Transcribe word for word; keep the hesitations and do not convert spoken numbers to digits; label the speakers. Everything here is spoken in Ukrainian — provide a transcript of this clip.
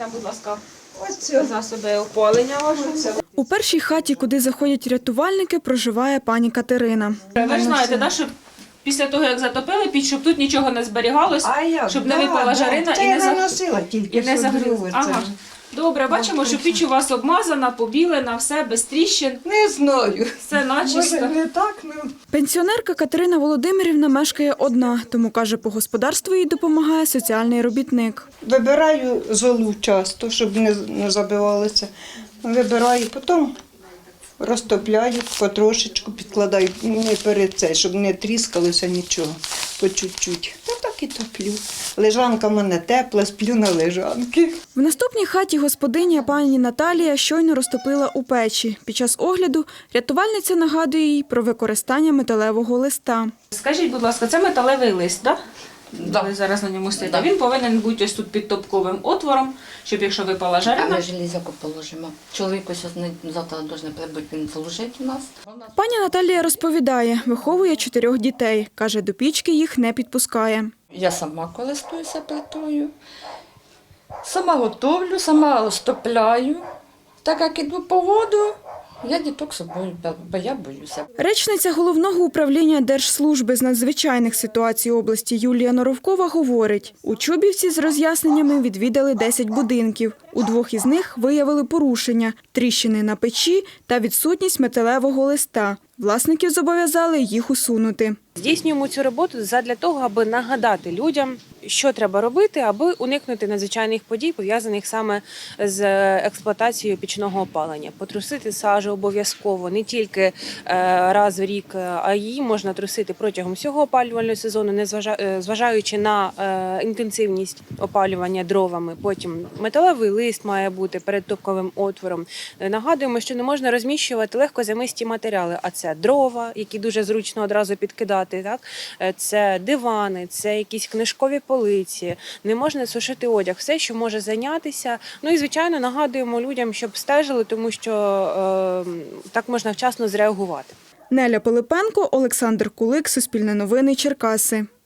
Speaker 1: нам, будь ласка, засоби опалення вашого.
Speaker 2: У першій хаті, куди заходять рятувальники, проживає пані Катерина.
Speaker 1: Ви ж знаєте, да, що після того, як затопили піч, щоб тут нічого не зберігалось,
Speaker 3: А я,
Speaker 1: щоб
Speaker 3: да,
Speaker 1: не випала
Speaker 3: да.
Speaker 1: жарина
Speaker 3: Це
Speaker 1: і
Speaker 3: я
Speaker 1: не, за...
Speaker 3: наносила тільки
Speaker 1: і не загрілася.
Speaker 3: загрілося.
Speaker 1: Ага. Добре, бачимо, що піч у вас обмазана, побілена, все без тріщин,
Speaker 3: Не знаю.
Speaker 1: все начисто.
Speaker 3: Може, не так, ну.
Speaker 2: Пенсіонерка Катерина Володимирівна мешкає одна, тому, каже, по господарству їй допомагає соціальний робітник.
Speaker 3: Вибираю золу часто, щоб не, не забивалося. Вибираю, потім розтопляю потрошечку, підкладаю не перед цей, щоб не тріскалося нічого, по чуть-чуть. Та так і топлю. Лежанка в мене тепла, сплю на лежанки.
Speaker 2: В наступній хаті господиня пані Наталія щойно розтопила у печі. Під час огляду рятувальниця нагадує їй про використання металевого листа.
Speaker 1: Скажіть, будь ласка, це металевий лист, так?
Speaker 4: Да.
Speaker 1: Ви зараз на ньому стоїте. Він повинен бути ось тут під топковим отвором, щоб якщо випала
Speaker 4: А
Speaker 1: жарина.
Speaker 4: ми железяку положимо. Чоловік ось не- завтра должен прибути, він служить у нас.
Speaker 2: Пані Наталія розповідає, виховує чотирьох дітей. Каже, до пічки їх не підпускає.
Speaker 4: Я сама користуюся плитою, сама готовлю, сама розтопляю. Так як іду по воду, я діток з собою, бо я боюся.
Speaker 2: Речниця Головного управління Держслужби з надзвичайних ситуацій області Юлія Норовкова говорить, у Чубівці з роз'ясненнями відвідали десять будинків. У двох із них виявили порушення – тріщини на печі та відсутність металевого листа. Власників зобов'язали їх усунути.
Speaker 5: Здійснюємо цю роботу задля того, аби нагадати людям, що треба робити, аби уникнути надзвичайних подій, пов'язаних саме з експлуатацією пічного опалення. Потрусити сажу обов'язково, не тільки е, раз в рік, а її можна трусити протягом всього опалювального сезону, не зважа- е, зважаючи на е, інтенсивність опалювання дровами. Потім металевий лист має бути перед топковим отвором. Е, Нагадуємо, що не можна розміщувати легкозамисті матеріали, а це дрова, які дуже зручно одразу підкидати, так? Е, це дивани, це якісь книжкові полиці, не можна сушити одяг, все, що може зайнятися. Ну і, звичайно, нагадуємо людям, щоб стежили, тому що е, так можна вчасно зреагувати.
Speaker 2: Неля Пилипенко, Олександр Кулик, Суспільне новини, Черкаси.